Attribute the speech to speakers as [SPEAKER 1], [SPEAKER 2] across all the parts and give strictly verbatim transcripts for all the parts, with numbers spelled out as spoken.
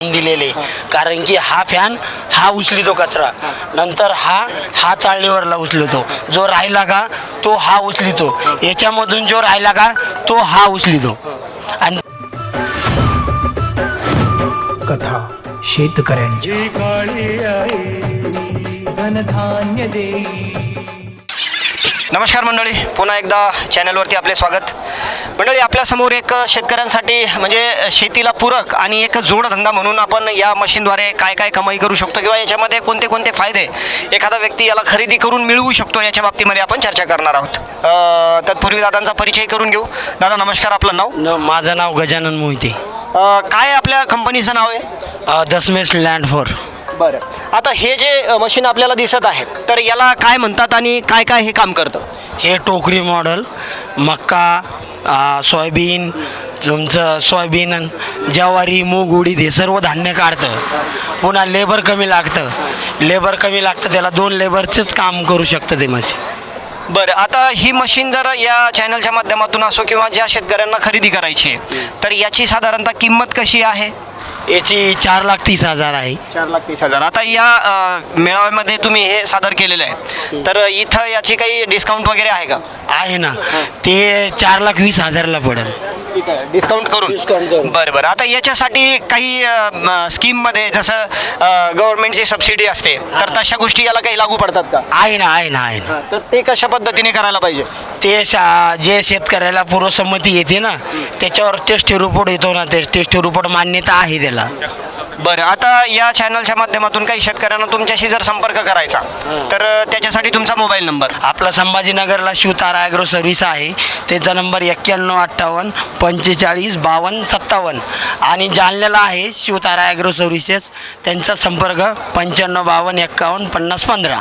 [SPEAKER 1] दिलेले, कारण की हा फॅन हा उचलितो कचरा, नंतर हा हा चाळणीवरला उचलतो, जो राहिला का तो हा उचलितो, याच्यामधून जो राहिला का तो हा उचलितो. आणि
[SPEAKER 2] कथा शेतकऱ्यांची.
[SPEAKER 3] नमस्कार मंडळी, पुन्हा एकदा चॅनलवरती आपले स्वागत. मंडळी, आपल्यासमोर एक शेतकऱ्यांसाठी म्हणजे शेतीला पूरक आणि एक जोडधंदा म्हणून आपण या मशीनद्वारे काय काय कमाई करू शकतो किंवा याच्यामध्ये कोणते कोणते फायदे एखादा व्यक्ती याला खरेदी करून मिळवू शकतो याच्या बाबतीमध्ये आपण चर्चा करणार आहोत. अ, तत्पूर्वी दादांचा परिचय करून घेऊ. दादा नमस्कार, आपलं नाव?
[SPEAKER 1] न माझं नाव गजानन मोहिते.
[SPEAKER 3] अ, काय आपल्या कंपनीचं नाव आहे?
[SPEAKER 1] Dasmesh land for.
[SPEAKER 3] बरं, आता हे जे मशीन आपल्याला दिसत आहे तर याला काय म्हणतात आणि काय काय हे काम करतं?
[SPEAKER 1] हे टोकरी मॉडेल मक्का, आ, सोयाबीन, तुमचं सोयाबीन, ज्वारी, मूग, उडीद हे सर्व धान्य काढतं. पुन्हा लेबर कमी लागतं लेबर कमी लागतं त्याला दोन लेबरचंच काम करू शकतं ते मशीन.
[SPEAKER 3] बरं, आता ही मशीन जर या चॅनलच्या माध्यमातून असो किंवा ज्या शेतकऱ्यांना खरेदी करायची आहे तर याची साधारणतः किंमत कशी आहे?
[SPEAKER 1] याची चार लाख तीस हजार आहे.
[SPEAKER 3] चार लाख तीस हजार. आता या अ, मेळाव्यामध्ये तुम्ही हे सादर केलेलं आहे तर इथं याची काही डिस्काउंट वगैरे आहे का?
[SPEAKER 1] आहे ना, ते चार लाख वीस हजारला पडेल
[SPEAKER 3] डिस्काउंट करून.
[SPEAKER 1] डिस्काउंट करून.
[SPEAKER 3] बरं बरं, आता याच्यासाठी काही अ, म, स्कीममध्ये जसं गव्हर्नमेंटची सबसिडी असते तर तशा गोष्टी याला काही लागू पडतात का?
[SPEAKER 1] आहे ना आहे ना आहे ना
[SPEAKER 3] तर ते कशा पद्धतीने करायला पाहिजे?
[SPEAKER 1] ते शा जे शेतकऱ्याला पूर्वसंमती येते ना त्याच्यावर टेस्ट रिपोर्ट येतो ना, ते टेस्ट रिपोर्ट मान्यता आहे त्याला.
[SPEAKER 3] बरं, आता या चॅनलच्या माध्यमातून काही शेतकऱ्यांना तुमच्याशी जर संपर्क करायचा तर अ, त्याच्यासाठी तुमचा मोबाईल नंबर?
[SPEAKER 1] आपला संभाजीनगरला शिवतारा ॲग्रो सर्व्हिस आहे, त्याचा नंबर एक्क्याण्णव अठ्ठावन्न पंचेचाळीस बावन्न सत्तावन्न. आणि जालन्याला आहे शिवतारा ॲग्रो सर्व्हिसेस, त्यांचा संपर्क पंच्याण्णव बावन्न एक्कावन्न पन्नास पंधरा.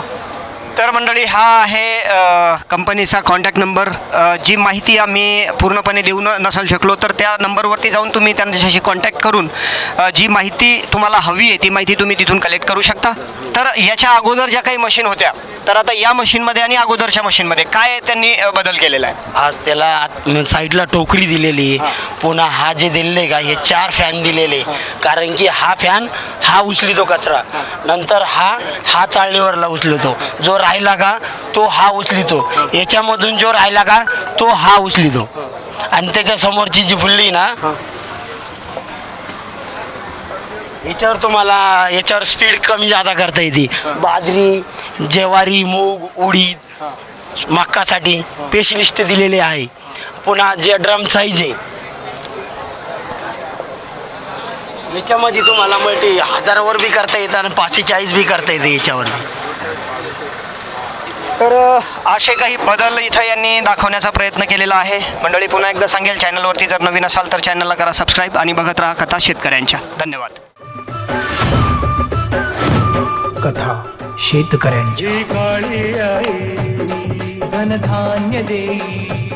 [SPEAKER 3] तर मंडळी, हा आहे अ, कंपनीचा कॉन्टॅक्ट नंबर. अ, जी माहिती आम्ही पूर्णपणे देऊ न नसाल शकलो तर त्या नंबरवरती जाऊन तुम्ही त्यांच्याशी कॉन्टॅक्ट करून अ, जी माहिती तुम्हाला हवी आहे ती माहिती तुम्ही तिथून कलेक्ट करू शकता. तर याच्या अगोदर ज्या काही मशीन होत्या तर आता या मशीनमध्ये आणि अगोदरच्या मशीनमध्ये काय त्यांनी अ, बदल केलेला आहे?
[SPEAKER 1] आज त्याला आत- साईडला टोकरी दिलेली आहे, पुन्हा हा जे दिलेले का हे चार फॅन दिलेले, कारण की हा फॅन हा उचलितो कचरा, नंतर हा हा चाळणीवरला उचलतो, जो राहिला का तो हा उचलितो, याच्यामधून जो राहिला का तो हा उचलितो. आणि त्याच्या समोरची जी फुल्ली ना याच्यावर तुम्हाला याच्यावर स्पीड कमी जादा करता येते. बाजरी, ज्वारी, मूग, उडीद, मक्कासाठी स्पेशलिस्ट दिलेले आहे. पुन्हा जे ड्रम साईज आहे याच्यामध्ये तुम्हाला मल्टी हजारावर बी करता येतं आणि पाचशे चाळीस बी करता येते याच्यावर बी.
[SPEAKER 3] तर असे काही बदल इथं यांनी दाखवण्याचा प्रयत्न केलेला आहे. मंडळी, पुन्हा एकदा सांगेल, चॅनलवरती जर नवीन असाल तर चॅनलला करा सबस्क्राईब आणि बघत राहा कथा शेतकऱ्यांच्या. धन्यवाद.
[SPEAKER 2] कथा शेतकऱ्यांची.
[SPEAKER 4] काळी आई धनधान्य देई